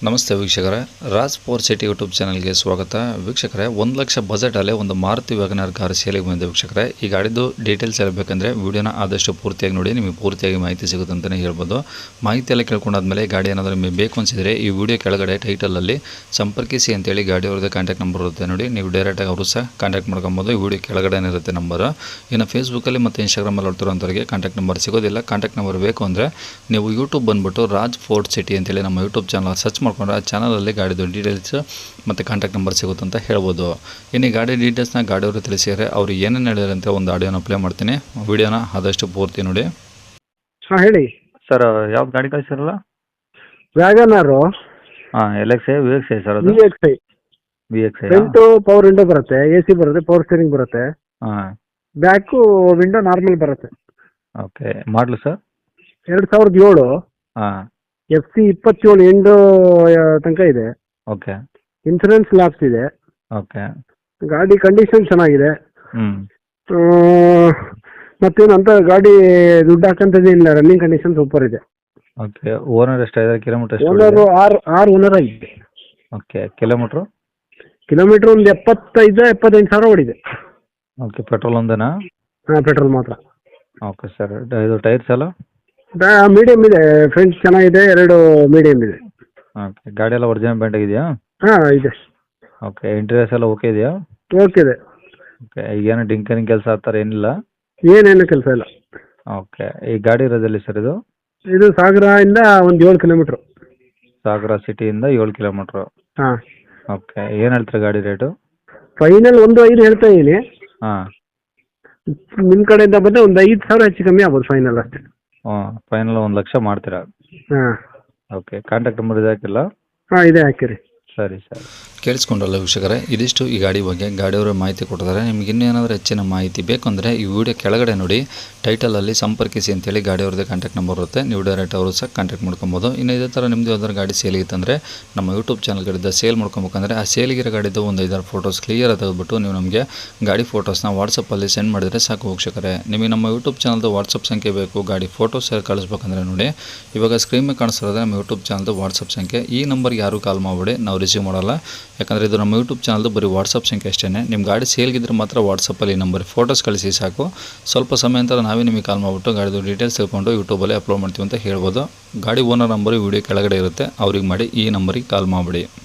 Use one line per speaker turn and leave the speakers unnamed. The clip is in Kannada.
ನಮಸ್ತೆ ವೀಕ್ಷಕರೇ, ರಾಜ್ ಫೋರ್ ಸಿಟಿ ಯೂಟ್ಯೂಬ್ ಚಾನಲ್ಗೆ ಸ್ವಾಗತ. ವೀಕ್ಷಕರೇ, 1 ಲಕ್ಷ ಬಜೆಟಲ್ಲೇ ಒಂದು ಮಾರುತಿ ವ್ಯಾಗನರ್ ಕಾರ್ ಸೇಲಿಗೆ ಬಂದಿದೆ. ವೀಕ್ಷಕರೇ, ಈ ಗಾಡಿದು ಡೀಟೇಲ್ಸ್ ಹೇಳಬೇಕಂದ್ರೆ ವಿಡಿಯೋನ ಆದಷ್ಟು ಪೂರ್ತಿಯಾಗಿ ನೋಡಿ, ನಿಮಗೆ ಪೂರ್ತಿಯಾಗಿ ಮಾಹಿತಿ ಸಿಗುತ್ತೆ ಅಂತಲೇ ಹೇಳ್ಬೋದು. ಮಾಹಿತಿ ಎಲ್ಲ ಕೇಳ್ಕೊಂಡಾದ್ಮೇಲೆ ಗಾಡಿ ಏನಾದರೂ ನಿಮಗೆ ಬೇಕು ಅನಿಸಿದರೆ ಈ ವಿಡಿಯೋ ಕೆಳಗಡೆ ಟೈಟಲಲ್ಲಿ ಸಂಪರ್ಕಿಸಿ ಅಂತೇಳಿ ಗಾಡಿಯವ್ರದ್ದು ಕಾಂಟ್ಯಾಕ್ಟ್ ನಂಬರ್ ಇರುತ್ತೆ ನೋಡಿ, ನೀವು ಡೈರೆಕ್ಟಾಗಿ ಅವರು ಸಹ ಕಾಂಟ್ಯಾಕ್ಟ್ ಮಾಡ್ಕೊಬೋದು. ಈ ವಿಡಿಯೋ ಕೆಳಗಡೆ ಇರುತ್ತೆ ನಂಬರು. ಇನ್ನು ಫೇಸ್ಬುಕ್ಕಲ್ಲಿ ಮತ್ತು ಇನ್ಸ್ಟಾಗ್ರಾಮಲ್ಲಿ ನೋಡ್ತಿರೋಂಥವ್ರಿಗೆ ಕಾಂಟ್ಯಾಕ್ಟ್ ನಂಬರ್ ಸಿಗೋದಿಲ್ಲ. ಕಾಂಟ್ಯಾಕ್ಟ್ ನಂಬರ್ ಬೇಕು ಅಂದರೆ ನೀವು ಯೂಟ್ಯೂಬ್ ಬಂದುಬಿಟ್ಟು ರಾಜ್ ಫೋರ್ಟ್ ಸಿಟಿ ಅಂತೇಳಿ ನಮ್ಮ ಯೂಟ್ಯೂಬ್ ಚಾನಲ್ ಸರ್ಚ್ ಮಾಡ್ಕೊಂಡ್ರೆ ಆ ಚಾನಲಲ್ಲಿ ಗಾಡಿದು ಡೀಟೇಲ್ಸ್ ಮತ್ತು ಕಾಂಟ್ಯಾಕ್ಟ್ ನಂಬರ್ ಸಿಗುತ್ತೆ ಅಂತ ಹೇಳ್ಬೋದು. ಇನ್ನು ಈ ಗಾಡಿ ಡೀಟೇಲ್ಸ್ನ ಗಾಡಿಯವರು ತಿಳಿಸಿದರೆ ಅವರು ಏನೇನು ಹೇಳಿದ್ರೆ ಅಂತ ಒಂದು ಆಡಿಯೋನ ಪ್ಲೇ ಮಾಡ್ತೀನಿ. ವಿಡಿಯೋನ ಆದಷ್ಟು ಪೂರ್ತಿ ನೋಡಿ.
ಹಾಂ ಹೇಳಿ
ಸರ್. ಯಾವ್ದು ಗಾಡಿ ಕಳಿಸಿರಲ್ಲ?
ವ್ಯಾಗನಾರು
ಹಾಂ, LXi VXi ಸರ್. ಅದು
VXi
VXi.
Front power window ಬರುತ್ತೆ, AC ಬರುತ್ತೆ, ಪವರ್ ಸ್ಟೀರಿಂಗ್ ಬರುತ್ತೆ,
ಹಾಂ,
ಬ್ಯಾಕು ವಿಂಡೋ ನಾರ್ಮಲ್ ಬರುತ್ತೆ.
ಓಕೆ. Model sir?
2007
ಹಾಂ,
FC 27 ಎಂಡು ತನಕ ಇದೆ.
ಓಕೆ
ಇನ್ಸೂರೆನ್ಸ್ ಲ್ಯಾಪ್ಸ್ ಇದೆ.
ಓಕೆ.
ಗಾಡಿ ಕಂಡೀಷನ್ ಚೆನ್ನಾಗಿದೆ.
ಹ್ಞೂ,
ಮತ್ತೇನಂತ ಗಾಡಿ ದುಡ್ಡು ಹಾಕಂತದೇ ಇಲ್ಲ, ರನ್ನಿಂಗ್ ಕಂಡೀಷನ್ ಸೂಪರ್ ಇದೆ.
ಓಕೆ. ಓನರ್ ಎಷ್ಟಾಗಿದೆ? ಕಿಲೋಮೀಟರ್ ಎಷ್ಟು?
ಓನರು ಆರು ಓನರ್ ಆಗಿದೆ.
ಓಕೆ. ಕಿಲೋಮೀಟ್ರು?
ಕಿಲೋಮೀಟ್ರ್ ಒಂದು 75 ಸಾವಿರ ಓಡಿದೆ.
ಓಕೆ. ಪೆಟ್ರೋಲ್ ಒಂದೇನಾ?
ಹಾಂ, ಪೆಟ್ರೋಲ್ ಮಾತ್ರ.
Okay sir. ಇದು ಟೈರ್ಸ್ ಎಲ್ಲ?
ಮೀಡಿಯಮ್ ಇದೆ, ಫ್ರಂಟ್ ಚೆನ್ನಾಗಿದೆ, 2 ಮೀಡಿಯಮ್ ಇದೆ.
ಓಕೆ. ಗಾಡಿ ಎಲ್ಲ ಒರಿಜಿನಲ್ ಪೇಂಟ್ ಆಗಿದೆಯಾ?
ಹಾಂ ಇದೆ.
ಓಕೆ. ಇಂಟೀರಿಯರ್ಸ್ ಎಲ್ಲ ಓಕೆ ಇದೆಯಾ?
ಓಕೆ ಇದೆ.
ಓಕೆ. ಈಗೇನು ಡಿಂಕರಿಂಗ್ ಕೆಲಸ ಆ ಥರ ಏನಿಲ್ಲ?
ಏನೇನು ಕೆಲಸ ಇಲ್ಲ.
ಓಕೆ. ಈ ಗಾಡಿ ಇರೋದಲ್ಲಿ ಸರ್ ಇದು?
ಇದು ಸಾಗರದಿಂದ ಒಂದು 7 ಕಿಲೋಮೀಟ್ರು.
ಸಾಗರ ಸಿಟಿಯಿಂದ 7 ಕಿಲೋಮೀಟ್ರು.
ಹಾಂ.
ಓಕೆ. ಏನು ಹೇಳ್ತೀರಾ ಗಾಡಿ ರೇಟು?
ಫೈನಲ್ 1.5 ಹೇಳ್ತಾ ಇದ್ದೀನಿ.
ಹಾಂ,
ನಿಮ್ಮ ಕಡೆಯಿಂದ ಬಂದರೆ ಒಂದು 5,000 ಹೆಚ್ಚು ಕಮ್ಮಿ ಆಗ್ಬೋದು, ಫೈನಲ್ ಅಷ್ಟೇ.
ಹಾಂ. ಫೈನಲ್ 1 ಲಕ್ಷ ಮಾಡ್ತೀರಾ?
ಹಾಂ.
ಓಕೆ. ಕಾಂಟ್ಯಾಕ್ಟ್ ನಂಬರ್ ಇದೆ ಹಾಕಿಲ್ಲ?
ಹಾಂ, ಇದೆ ಹಾಕಿರಿ.
ಸರಿ ಸರಿ.
ಕೇಳಿಸ್ಕೊಂಡ್ರಲ್ಲ ವೀಕ್ಷಕರೇ, ಇದಿಷ್ಟು ಈ ಗಾಡಿ ಬಗ್ಗೆ ಗಾಡಿಯವರು ಮಾಹಿತಿ ಕೊಟ್ಟಿದ್ದಾರೆ. ನಿಮ್ಗೆ ಇನ್ನೇನಾದರೂ ಹೆಚ್ಚಿನ ಮಾಹಿತಿ ಬೇಕಂದರೆ ಈ ವಿಡಿಯೋ ಕೆಳಗಡೆ ನೋಡಿ, ಟೈಟಲಲ್ಲಿ ಸಂಪರ್ಕಿಸಿ ಅಂತೇಳಿ ಗಾಡಿಯವ್ರದ್ದು ಕಾಂಟ್ಯಾಕ್ಟ್ ನಂಬರ್ ಇರುತ್ತೆ. ನೀವು ಡೈರೆಕ್ಟ್ ಅವರು ಸಹ ಕಾಂಟ್ಯಾಕ್ಟ್ ಮಾಡ್ಕೊಬೋದು. ಇನ್ನು ಇದೇ ಥರ ನಿಮ್ಮದು ಯಾವ್ದಾದ್ರು ಗಾಡಿ ಸೇಲಿಗಿತ್ತಂದರೆ ನಮ್ಮ ಯೂಟ್ಯೂಬ್ ಚಾನಲ್ ಕಡೆಯಿಂದ ಸೇಲ್ ಮಾಡ್ಕೊಬೇಕಂದ್ರೆ ಆ ಸೇಲಿಗಿರೋ ಗಾಡಿದ್ದು ಒಂದು 5-6 ಫೋಟೋಸ್ ಕ್ಲಿಯರ್ ತೆಗೆದುಬಿಟ್ಟು ನೀವು ನಮಗೆ ಗಾಡಿ ಫೋಟೋಸ್ನ ವಾಟ್ಸಪ್ಪಲ್ಲಿ ಸೆಂಡ್ ಮಾಡಿದರೆ ಸಾಕು ವೀಕ್ಷಕರೇ. ನಿಮಗೆ ನಮ್ಮ ಯೂಟ್ಯೂಬ್ ಚಾನಲ್ದು ವಾಟ್ಸಪ್ ಸಂಖ್ಯೆ ಬೇಕು, ಗಾಡಿ ಫೋಟೋಸ್ ಕಳಿಸ್ಬೇಕಂದ್ರೆ ನೋಡಿ, ಇವಾಗ ಸ್ಕ್ರೀನ್ ಮೇಲೆ ಕಾಣಿಸ್ತಿರೋದು ನಮ್ಮ ಯೂಟ್ಯೂಬ್ ಚಾನಲ್ದು ವಾಟ್ಸಪ್ ಸಂಖ್ಯೆ. ಈ ನಂಬರ್ಗೆ ಯಾರು ಕಾಲ್ ಮಾಡಿಬಿಡಿ, ನಾವು ರಿಸೀವ್ ಮಾಡಲ್ಲ. ಯಾಕಂದರೆ ಇದು ನಮ್ಮ ಯೂಟ್ಯೂಬ್ ಚಾನಲ್ದು ಬರೀ ವಾಟ್ಸಪ್ ಸಂಖ್ಯೆ ಅಷ್ಟೇ. ನಿಮ್ಮ ಗಾಡಿ ಸೇಲ್ಗಿದ್ರೆ ಮಾತ್ರ ವಾಟ್ಸಪ್ಪಲ್ಲಿ ನಂಬರ್ ಫೋಟೋಸ್ ಕಳಿಸಿ ಸಾಕು. ಸ್ವಲ್ಪ ಸಮಯ ನಂತರ ನಾವೇ ನಿಮಗೆ ಕಾಲ್ ಮಾಡಿಬಿಟ್ಟು ಗಾಡಿದು ಡೀಟೇಲ್ಸ್ ತಿಳ್ಕೊಂಡು ಯೂಟ್ಯೂಬಲ್ಲಿ ಅಪ್ಲೋಡ್ ಮಾಡ್ತೀವಿ ಅಂತ ಹೇಳ್ಬೋದು. ಗಾಡಿ ಓನರ್ ನಂಬರು ವಿಡಿಯೋ ಕೆಳಗಡೆ ಇರುತ್ತೆ, ಅವ್ರಿಗೆ ಮಾಡಿ ಈ ನಂಬರಿಗೆ ಕಾಲ್ ಮಾಡಿಬಿಡಿ.